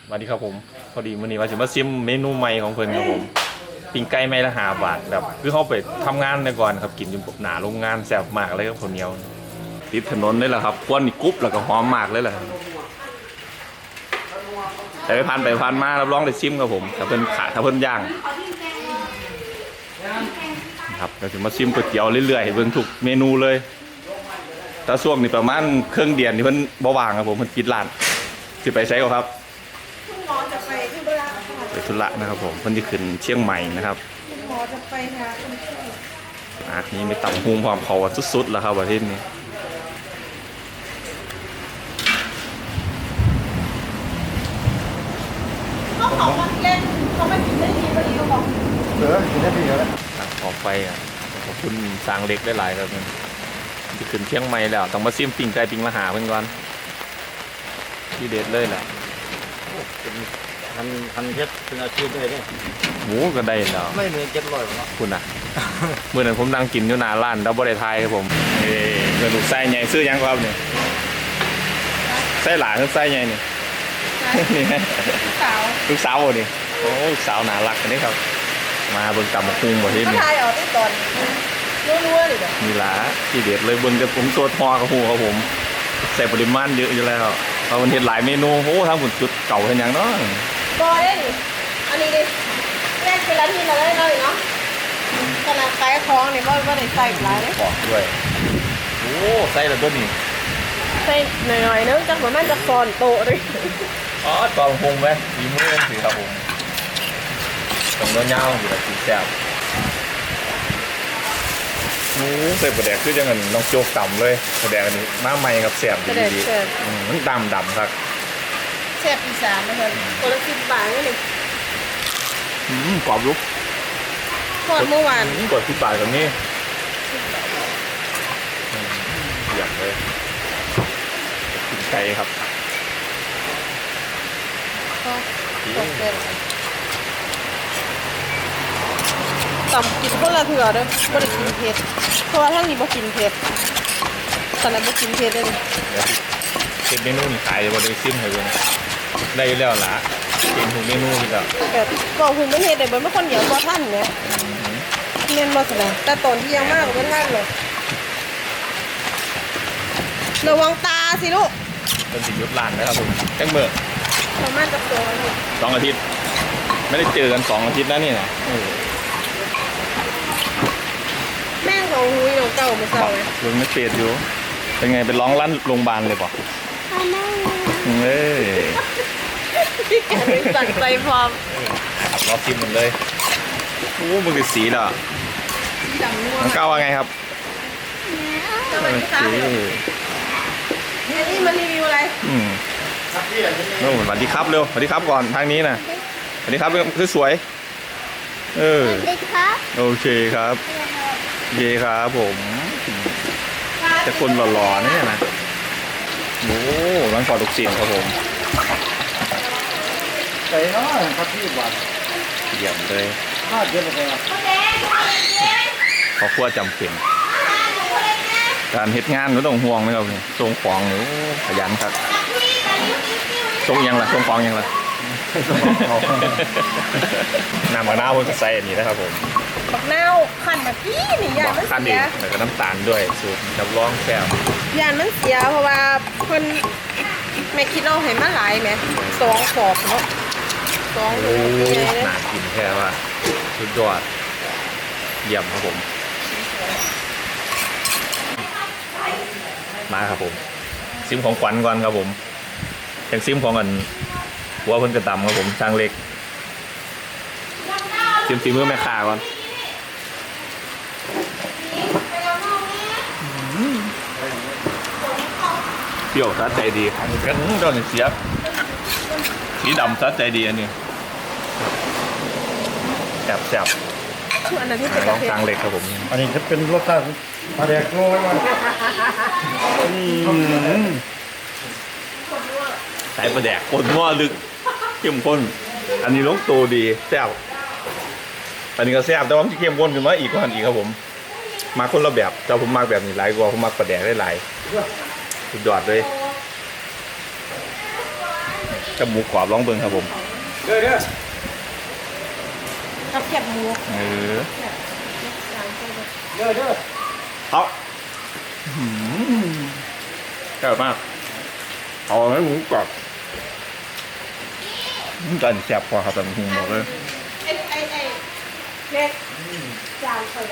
สวัสดีครับผมพอดีมื้อนี้ว่าจะมาซิมเมนูใหม่ของเพิ่นครับผมปิ้งไก่ไม้ละ5 บาทแบบคือเขาไปทำงานในก่อนครับกินอยู่หน้าโรงงานแซ่บมากเลยครับข้าวเหนียวติดถนนเลยแหละครับควันนี่กรุบแล้วก็หอมมากเลยแหละแต่ไปผ่านมารับรองได้ซิมครับผมถ้าเพิ่นขาถ้าเพิ่นย่างครับเราจะมาซิมก๋วยเตี๋ยวเรื่อยๆเบิ่งทุกเมนูเลยถ้าช่วงนี้ประมาณครึ่งเดือนที่เพิ่นบ่ว่างครับผมเพิ่นปิดร้านสิไปใช้ก็ครับคุณหมอจะไปที่เวลาค่ะไปธุระนะครับผมเพิ่นจะขึ้นเชียงใหม่นะครับคุณหมอจะไปหาคนไข้นี่มีตำฮุงความเขาสุดๆแล้วครับประเทศนี้เขาบอกว่าเล่นเขาไม่กินได้ดีพอดีเขาบอกกินได้ดีแล้วตั้งขอบไฟขอบคุณสร้างเล็กได้หลายครับมันจะขึ้นเชียงใหม่แล้วต้องมาซิมปิ้งไก่ปิ้งละหาเพิ่นก่อนที่เด็ดเลยแหละเป็นพันเพชรเป็นอาชีพได้เนี่ยหมูก็ได้แล้วไม่เหมือน700หรอกคุณเมื่อนั้นผมนั่งกินอยู่หน้าร้านดับเบิลไทยครับผมเงินลูกไส้ใหญ่ซื้อยังครับเนี่ยไส้หลานหรือไส้ใหญ่นี่นี่สาวลูกสาวนี่โอ้ลูกสาวน่ารักอันนี้ครับมาเบิ่งตำบักหุ่งประเทศนี้ก็ทายออกที่ตอนรัวๆเลยเด้อมีหลาที่เด็ดเลยเบิ่งกับผมตัวทอกับหูครับผมใส่ปริมาณเยอะอยู่แล้วเพราะมันเห็นหลายเมนูโอ้ทำผลจุดเก่าเห็นอย่างเนาะบอยได้ดิอันนี้ดิแรกเป็นร้านที่เราได้เลยเนาะขนาดไก่ท้องเนี่ยว่าได้ใส่หลายเลยปอกด้วยโอ้ใส่แล้วตัวนี้ใส่หน่อยๆนึงจังเหมือนมันจะฟอนโตเลยอ๋อตอนพงไหมมีมือสิครับผมตรงเงาๆอยู่แบบสีแซ่บโอ้ใส่ประแดกคือจังเงินน้องโจกต่ำเลยประแดกอันนี้มาใหม่กับแซ่บดีๆมันดำครับแซ่บอีสานนะคะคนละ10 บาทนี่นี่กรอบลุกทอดเมื่อวานกด10 บาทแบบนี้อยากเลยกินไก่ครับต่ำกินคนละเถื่อเด้อไม่ได้กินเผ็ดเพราะว่าทั้งนี้บ่กินเผ็ดตอนนั้นบ่กินเผ็ดเลยเก็บเมนูนี่ขายบริซิมให้เบิ่งได้แล้วล่ะเก็บทุกเมนูนี่แล้วแบบก็หุงไม่เฮ็ดได้บ่คนเดียวบ่ทันเนี่ยแม่นบ่ซั่นน่ะแต่ตอนที่ยังมากบ่ทันเลยระวังตาสิลูกเป็นสิยุดร้านนะครับผมจังเมื่อประมาณจะตัวนึง 2 อาทิตย์ไม่ได้เจอกัน2 อาทิตย์แล้วนี่นะแม่งของหุยของเก่ามาเศร้าเลยลุงไม่เปลี่ยนอยู่เป็นไงเป็นร้องลั่นโรงพยาบาลเลยป่ะเฮ้ยพี่แกเป็นสั่งใจพร้อมขับรอบทิมหมดเลยโอ้มันคือสีเหรอดำนัวน้องก้าวว่าไงครับสวัสดีครับนี่มันรีวิวอะไรโน่สวัสดีครับเร็วสวัสดีครับก่อนทางนี้นะสวัสดีครับคือสวยสวัสดีครับโอเคครับเย่ครับผมจะคนหล่อๆนี่นะโอ้ร้านกอดลูกศิษย์ครับผมใส่น้อยครับพี่บาทเยี่ยมเลย 5 เดือนเลยครับขอขั้วจำเป็นการเฮ็ดงานไม่ต้องห่วงนะครับส่งของหนูขยันครับส่งยังล่ะส่งของยังล่ะน้ำมะนาวมันก็ใส่อันนี้นะครับผมบักนาวขันแบบนี้นี่ยานมันเสียแล้วก็น้ำตาลด้วยสูตรจับรองแซ่บยานมันเสียเพราะว่าคนแม่คิดเอาให้มาหลายแม่2 ขอบเนาะ2โลน่ากินแค่ว่าสุดยอดเยี่ยมครับผมมาครับผมซิมของขวัญก่อนครับผมจากซิมของอันหัวเพิ่นกระตำครับผมช่างเล็กซิมฝีมือแม่ค้าก่อนเปรี้ยวสะใจดีกันตอนนี้เสียบสีดำสะใจดีอันนี้แซ่บอันนั้นที่เป็นลองช่างเล็กครับผมอันนี้จะเป็นรสชาติปลาแดกโง่ไว้ใส่ปลาแดกคนง้อลึกเข้มข้นอันนี้ลงตัวดีแซ่บอันนี้ก็แซ่บแต่ว่ามันจะเข้มข้นขึ้นมาอีกกว่าอันอีกครับผมมาคนละแบบแต่ผมมาแบบนี้หลายกว่าผมมาปลาแดกได้หลายสุดยอดเลยกับหมูกรอบลองเบิ่งครับผมเด้อกับแคบหมูเออเด้อเอาแซ่บมากเอาไหมหมูกรอบจานแซ่บกว่าครับแต่ผมบอกเลยไอ้เล็กจานเปิด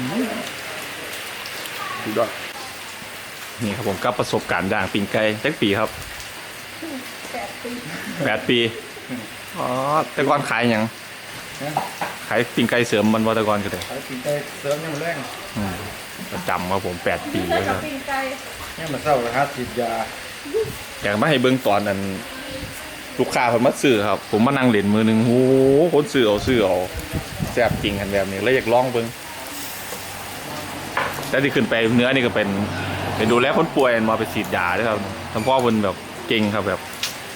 สุดยอดนี่ครับผมกับประสบการณ์ย่างปิ้งไก่ตั้งปีครับ 8 ปี 8 ปีอ๋อแต่ก่อนขายหยังขายปิ้งไก่เสริมมันว่าแต่ก่อนก็ได้ขายปิ้งไก่เสริมยังแรงประจำครับผม8 ปีไก่แล้วคกัรับบ ปิ้งไก่เนี่ยมันเศร้าหาฉีดยาอยากมาให้เบิ่งตอนนั้นลูกค้าคนมาซื้อครับ ผมมานั่งเล่นมือหนึงโอ้โหคนซื้อเอาแซ่บจริงกันแบบนี้แล้วอยากลองเบิ่งแต่ที่ขึ้นไปเนื้อนี่ก็เป็นดูแลคนป่วยมาไปฉีดยาด้วยครับทั้งพ่อคนแบบเก่งครับแบบ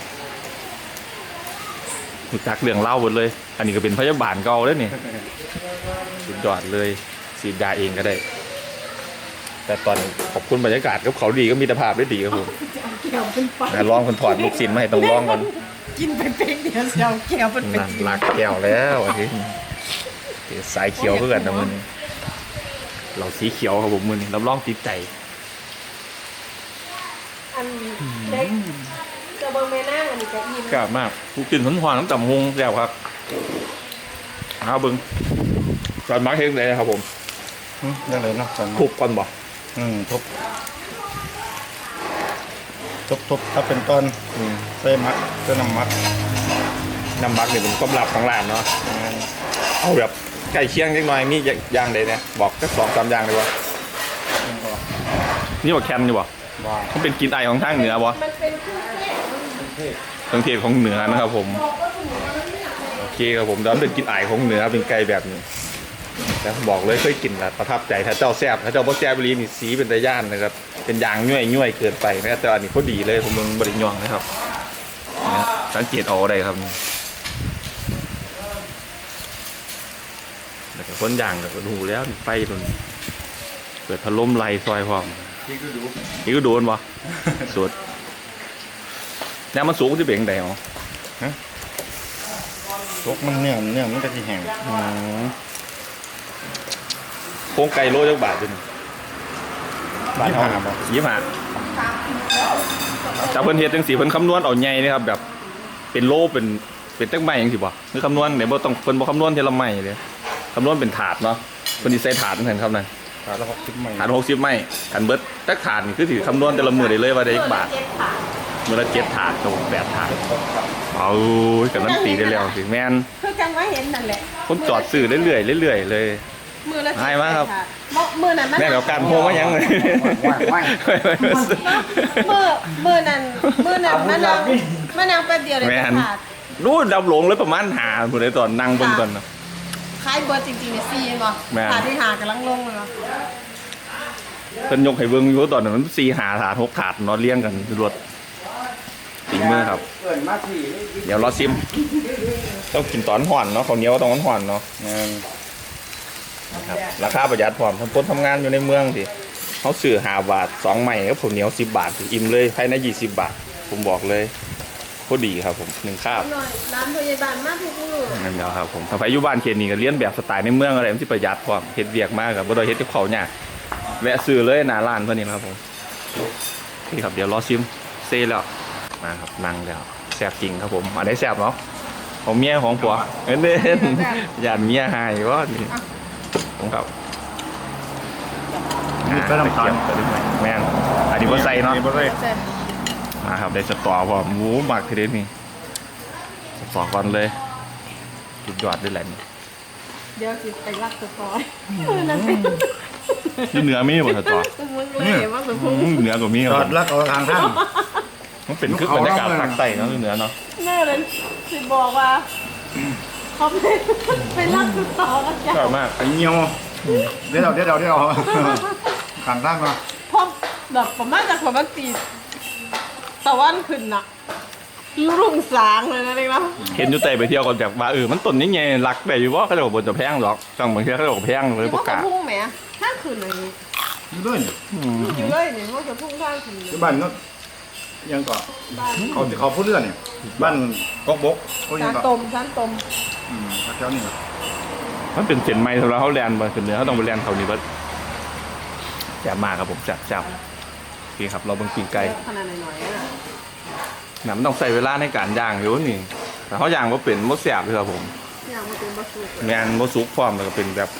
รู้จักเรื่องเล่าหมดเลย อันนี้ก็เป็นพยาบาลเก่าแล้วนี่สุดยอดเลยฉีดยาเองก็ได้ แต่ตอนขอบคุณบรรยากาศกับเขาดีก็มีตรภาพได้ดีครับผมเกี่ยวเป็นไปลองคนถอดลูกศิลมาให้ต้องลองก่อนกินไปเป๊กเดียวเดียวเกี่ยวเป็นไปนั่นลากแก้วแล้วอันนี้สายเขียวเพื่อนนะมือนี้เราสีเขียวครับผมมือนี้รับรองติดใจอันเล็กจะเบิ่งแม่นางอันนี้ก็อิ่มกล้ามากกูกินหวานๆน้ำต่ำฮงแซ่บครับเอาเบิ้งตอนมาร์คเฮงเลยครับผมยังไงเนาะทุบก่อนบ่ทุบถ้าเป็นต้นใส่มัดใส่น้ำมัดน้ำมักเนี่ยเป็นความลับของร้านเนาะเอาแบบใกล้เคียงนิดหน่อยมีอย่างใดเนี่ยบอกแค่2-3อย่างเลยว่านี่ว่าแคนอยู่บ่บ้ามันเป็นกลินไอของทางเหนือบ่มันเป็นเครื่องเทศเครื่องเทศของเหนือนะครับผมโอเคครับผมแล้วเป็นกลินไอของเหนือเป็นไก่แบบนี้แต่บอกเลยเคยกินแล้วประทับใจถ้าเจ้าแซ่บถ้าเจ้าบ่แซ่บรีนี่สีเป็นตะย่านนะครับเป็นยางย่อยๆเกินไปนะครับแต่อันนี้พอดีเลยผมมึงบริยองนะครับเนี่ยสังเกตเอาได้ครับแล้วก็คนย่างก็ดูแล้วไฟตรงเปิดพัดลมไล่ซอยพร้อมที่ก็ดูนี่ก็โดนบ่ สุดน้ำมันสูงที่เบ่งได้หรอตกมันเนี่ยมันก็ที่แห้งโครงไก่โลจักบาทจนบาทเท่าไหร่บ่25จากเพิ่นเฮ็ดจังซี่เพิ่นคำนวณเอาใหญ่นะครับแบบเป็นโลเป็นตั้งไม้จังซี่บ่คือคำนวณเนี่ยบ่ต้องเพิ่นบ่คำนวณทีละไม้เลยคำนวณเป็นถาดเนาะเพิ่นสิใส่ถาดนั่นเห็นครับนั่นขาดละ60 ไม้ถาด60ไม้คันเบิดจักถาดนี่คือสิคำนวณแต่ละมื้อได้เลยว่าได้จักบาทเจ็ดขามื้อละ7ถาดกับ8ถาดเอากันนั้นตีได้แล้วสิแม่นคือจังว่าเห็นนั่นแหละคนจอดซื้อเรื่อยๆเรื่อยๆเลยมือละให้มาครับมือนั้นมันแม่เดี๋ยวการโพมายังเลยมือนั้นมานางแป๊บเดียวเลยแม่นขาดรู้ดับหลงเลยประมาณหาผู้ใดตอนนั่งเบิ่งก่อนนะคล้ายเบอร์จริงๆเนี่ยซีเองเหรอแม่นขาดที่หากำลังลงเลยเหรอเพิ่นยกให้เบิ่งอยู่ตอนนั้นมัน4หาถาด6ถาดเนาะเรียงกันรวดสีมือครับเกินมาที่เดี๋ยวรอซิมต้องกินตอนห่อนเนาะข้าวเหนียวต้องห่อนๆเนาะนะครับราคาประหยัดพร้อมทำต้นทำงานอยู่ในเมืองสิเขาซื้อ5 บาท2ไม้กับข้าวเหนียว10 บาทสิอิ่มเลยภายใน20 บาทผมบอกเลยโคตรดีครับผม1คาบหน่อยร้านพยาบาลมากทุกมือนั่นแหละครับผมถ้าไปอยู่บ้านเขตนี้ก็เลี้ยนแบบสไตล์ในเมืองอะไรมันที่ประหยัดความเฮ็ดเวียกมากครับบ่ได้เฮ็ดกับเขาเนี่ยากแวะซื้อเลยหน้าร้านเพิ่นนี่นะครับผมนี่ครับเดี๋ยวรอชิมเซ่แล้วมาครับนั่งแล้วแซ่บจริงครับผมอันไหนแซ่บเนาะของเมียของผัวเน้นๆอย่าเมียหายว่านี่ผมครับมีกระดำตาลแม่นอันนี้บ่ใส่เนาะบ่ใส่แต่มาครับได้สตอพร้อมหมูหมักทีเด็ดนี่สตอก่อนเลยสุดยอดด้วยแหละนี่เดี๋ยวสิไปรักสปอยมือนั้นเป็นที่เหนือมีบ่สตอมึงเลยว่าเป็นพุ่งเหนือกว่ามีคจรัอบ ดลักเอาทางท่านมันเป็นคือบรรยากาศภาคใต้เนาะเหนือเนาะแม่เลยสิบอกว่าเขาไปรักสปอยกันจ้ะชอบมากไอ้เหี่ยวเดี๋ยวทางท่านมาเพราะแบบประมาณจากความตีตะวันขึ้นน่ะรุ่งสางเลยนะเด็กนะเห็นอยู่แต่ไปเที่ยวก่อนจากว่ามันต้นนี้ไงรักได้อยู่ว่าเขาจะบอกบนจะแพงหรอกจังบางทีเขาจะบอกแพงเลยประกาศพุ่งแหมถ้าขึ้นอะไรนี้อยู่ด้วยอยู่เลยเนี่ยว่าจะพุ่งข้างขึ้นที่บ้านก็ยังก่อนเขาพูดเรื่องเนี่ยบ้านกอกบกเขายัจาง นก่อนต้มจานต้มแถวนี้ครับมันเป็นเส้นไม้สำหรับเขาแลนมาเป็นเนื้อเขาต้องไปแลนเขานี่ก็แซ่บมากครับผมแซ่บโอเคครับเราเบิ่งปีกไก่ขนาดหน่อยๆนะน้ำต้องใส่เวลาในการย่างอยู่นี่แต่เขาย่างว่าเป็นมดแซ่บเลยครับผมอย่างมันเป็นบะสุกแมนมดซุกพร้อมแล้วก็เป็นแบบ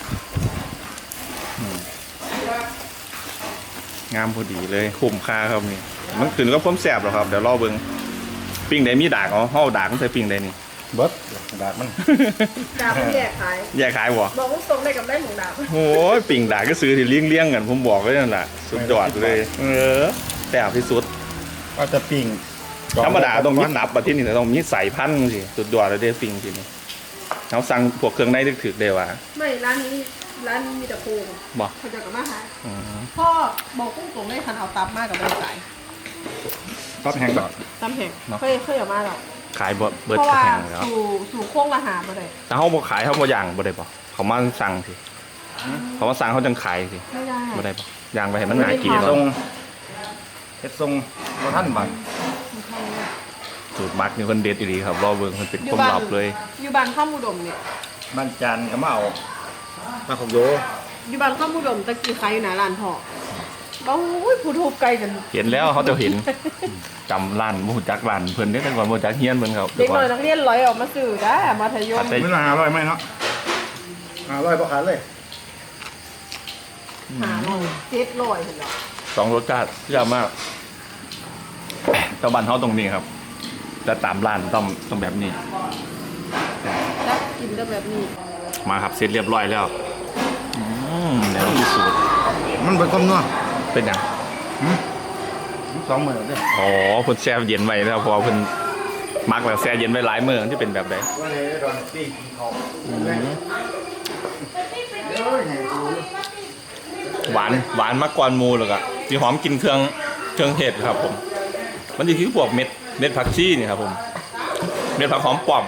งามพอดีเลยคุ้มค่าครับนี่มันขึ้นก็พ้มแซ่บหรอครับเดี๋ยวรอเบิ่งปิ้งใดมีดากเอาห่อดากมันใส่ปิ้งใดนี่เบิร์ดดาดมันดาบแยกขายแยกขายบ่บอกว่าตรงได้กับได้หมูดาบโอ้ยปิ่งด่าก็ซื้อที่เลี้ยงกันผมบอกเลยนั่นแหละสุดยอดเลยแต่ที่สุดก็จะปิ้งธรรมดาต้องมีตับแบบที่นี่แต่ต้องมีใส่พันธุ์สิสุดยอดเลยเด้ปิ่งทีนี้เขาสั่งพวกเครื่องในถึกๆเลยว่ะไม่ร้านนี้มีแต่โครงบอกเขาจะกับมาหาอืมพ่อบอกกุ้งตรงได้คันเอาตับมากกับใบสายตับแห้งก่อนตำแห้งเคยเอามาหรอกขายเบิร์ดเพราะกระว่าแหงแล้วสู่โค้งละหามาเลยแต่เขาบอกขายเขาบอกย่างบ่ได้ปะเขามาสั่งสิเขามาสั่งเขาจังขายสิไม่ได้บ่ได้ปะย่างไปให้มันหนากินไม่ได้ทรเนาะงเฮ็ดทรงบ่ท่านบังสูตรมักนี่คนเด็ดอีหลีครับรอเบิ่งมันเป็นความลับเลยอยู่บ้านข้ามอุดมเนี่ยบ้านจานก็มาเอามาของโยอยู่บ้านข้ามอุดมตะกี้ขายอยู่หน้าร้านพ่อบ้าอุ้ยผู้ทุบไกลกันเห็นแล้วเขาจะเห็นจำร้านมูจักร้านเพิ่นได้แต่ก่อนมูจักเฮียนเพิ่นครับเด็กน้อยนักเรียนร้อยออกมาสื่อได้มัธยมไม่น่า500ไหมเนาะ500บ่ขาดเลยหาลอย700เห็นหรอสองรสชาติยากมากแต่บ้านเขาตรงนี้ครับแต่ตามร้านต้องแบบนี้แล้วกินก็แบบนี้มาครับเสร็จเรียบร้อยแล้วแล้วมีสูตรมันเป็นความนัวเป็นยัง 2มื้อเด้ออ๋อเพิ่นแช่เย็นไว้แล้วเพอเพิ่นมักแล้วแช่เย็นไว้หลายมื้อที่เป็นแบบใดว่าไงตอนปิ้งกินข้าวหวานมากกว่าหมูเลยอะมีหอมกลินเครื่องเห็ดครับผม มันจะคือพวกเม็ดผักชีนี่ครับผมเม็ดผักหอมป้อม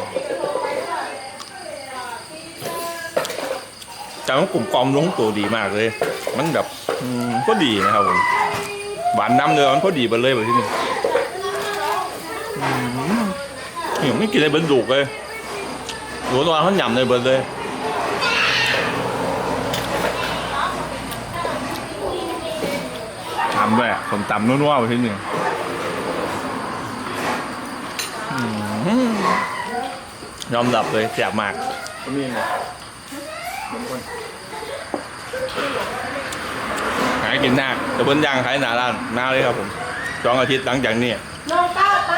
แต่มันกลุ่มกลอมลงตัวดีมากเลย มันแบบก็ดีนะครับผมหวานน้ำเนื้อมันพอดีไปเลยแบบที่นี่เนี่ยไม่กินอะไรเบิร์ดดุกเลยหัวตัวเขาหยำเลยเบิร์ดเลยทำด้วยผมตำนัวๆไปที่นี่ยอมรับเลยแซ่บมากก็มีนะบางคนหากินหน้าแต่เพิ่นย่างขายหน้าร้านหน้าเลยครับผม2 อาทิตย์หลังจากนี้น้องก้าวไป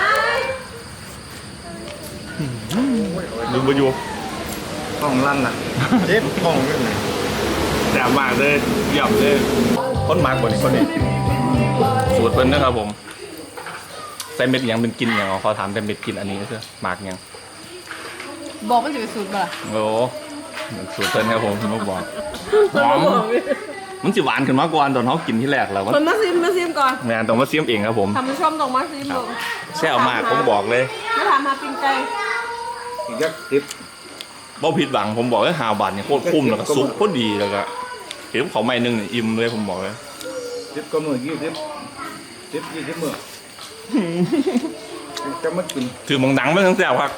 ลืมไปอยู่ห้องลั่นน่ะเจ็บห้องอยู่นี่แซ่บมากเลยเยี่ยมเลยคนมากกว่านี้คนนี้สูตรเพิ่นนะครับผมใส่เม็ดหยังเป็นกินอย่างขอถามแต่เม็ดกินอันนี้ก็คือหมากหยังบอกมันจะเป็นสูตรบ่ล่ะโอ้สูตรเพิ่นครับผมคุณบอกหอมมันสิหวานขึ้นมากกว่าตอนเขากินที่แรกแล้วคนมาซิมก่อนแม่ต้องมาเสียมเองครับผมทำผู้ชมต้องมาซิมลงแซ่บมากผมบอกเลยมาถามหาปิ้งไก่อีกยักติบบ่ผิดหวังผมบอกเลย5 บาทเนี่ยโคตรคุ้มแล้วก็ซุปโคตรดีแล้วก็เห็นเขาไม่นึงเนี่ยอิ่มเลยผมบอกเลยติบก็มื้อ20มื้อจะมากินถือมังหนังมันทั้งแซ่บครับ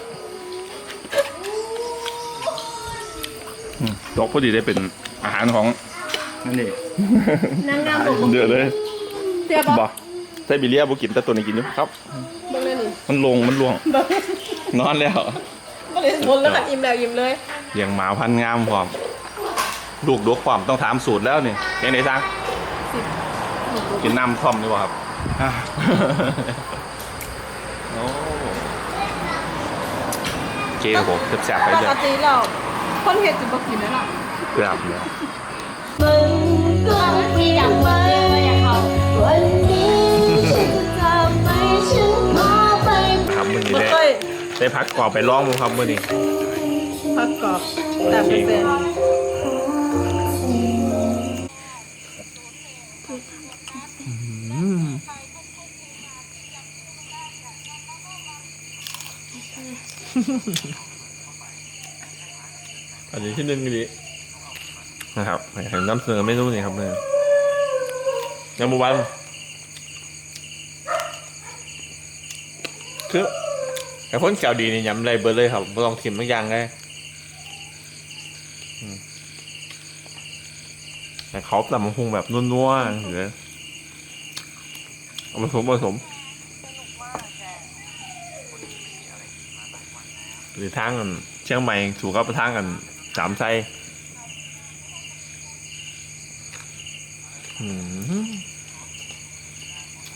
ดอกพอดีได้เป็นอาหารของนั่นนี่นางงามบอกเดือดเลยเสียบ่บ่ไซบีเรียบ่กินแต่ตัวนี้กินอยู่ครับบอกเลยนี่มันล่วงนอนแล้วก็เลยวนแล้วก็อิ่มแล้วอิ่มเลยเลี้ยงหมาพันธุ์งามพร้อมลูกดกความต้องถามสูตรแล้วนี่ยังไงซังกินน้ำท่อมดีกว่าครับอ่ะโอ้โอเคครับผมแซ่บๆไปปเลยกติเราคนเฮ็ดจะบ่กินแล้วล่ะแซ่บเลยมันก็ที่อยากเปิดอยากเขาวันนี้ฉันจะไม่ฉันขอไปครับมื้อนี้บ่ได้เคยได้พักกรอบไปร้องมั้งครับมื้อนี้ผักกรอบแต่เป็นอันนี้ที่หนึ่งดีนะครับเห็นน้ำเสนอเมนูนี่ครับเนี่ยยำบุบันคือไอ้คนแก้วดีนี่ยำอะไรเบอร์เลยครับไม่ต้องทิมทุกอย่างเลยแต่เขาแต่มันคงแบบนัวๆหรือเอาผสมหรือทางกันเชียงใหม่ถูกกับทางกันสามไส้